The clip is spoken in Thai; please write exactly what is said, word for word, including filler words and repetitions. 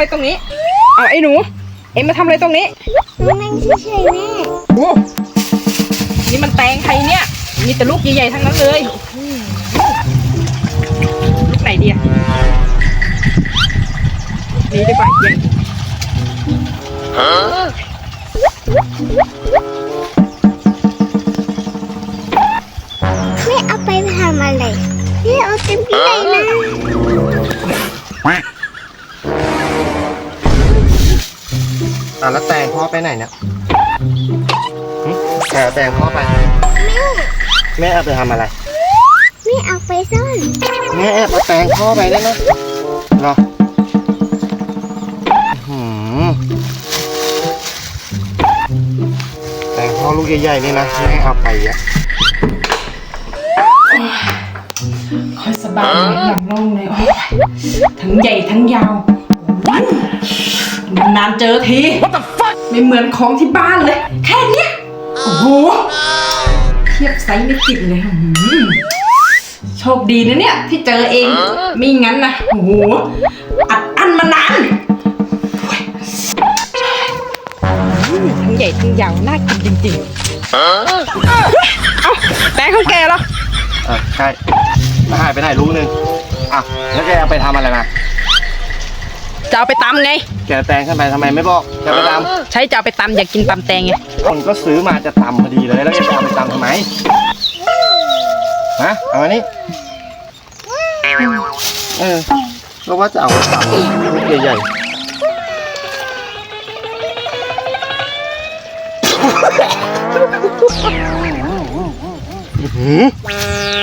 อะไรตรงนี้เอาไอ้หนูเอ็งมาทำอะไรตรงนี้นั่งเฉยๆแม่โอ้นี่มันแตงใครเนี่ยมีแต่ลูกใหญ่ๆทั้งนั้นเลยลูกไหนดีอะนี่ดีกว่าเย็นแม่เอาไปทำอะไรแม่เอาเต็มที่เลยนะอ่ะแล้วแตงพ่อไปไหนเนี่ยแกแตงพ่อไปแม่แม่เอาไปทำอะไรแม่เอาไปซ่อนแม่แอบเอาแตงพ่อไปได้ไหมเหรอหืมแตงพ่อลูกใหญ่ๆนี่นะแม่เอาไปอ่ะค่อยสบายเลยหลังโล่งเลยทั้งใหญ่ทั้งยาวนานๆเจอทีไม่เหมือนของที่บ้านเลยแค่เนี้ยโอ้โหเทียบไซส์ไม่ติดเลยโชคดีนะเนี่ยที่เจอเองไม่งั้นนะโอ้โหอัดอั้นมานานทั้งใหญ่ทั้งยาวน่ากินจริงๆเอ้าแตงเขาแก่แล้วอ่ะใช่มาหายไปไหนลูกนึงอ่ะแล้วแกเอาไปทำอะไรมาจะเอาไปตำไงแกแตงขึ้นไปทำไมไม่บอกจะไปตำใช่จะเอาไปตำอยากกินตำแตงไงคนก็ซื้อมาจะตำพอดีเลยแล้วแกจะเอาไปตำทำไมฮะเอาอันนี้เออก็ว่าจะเอาไปตำลูกใหญ่ๆหืม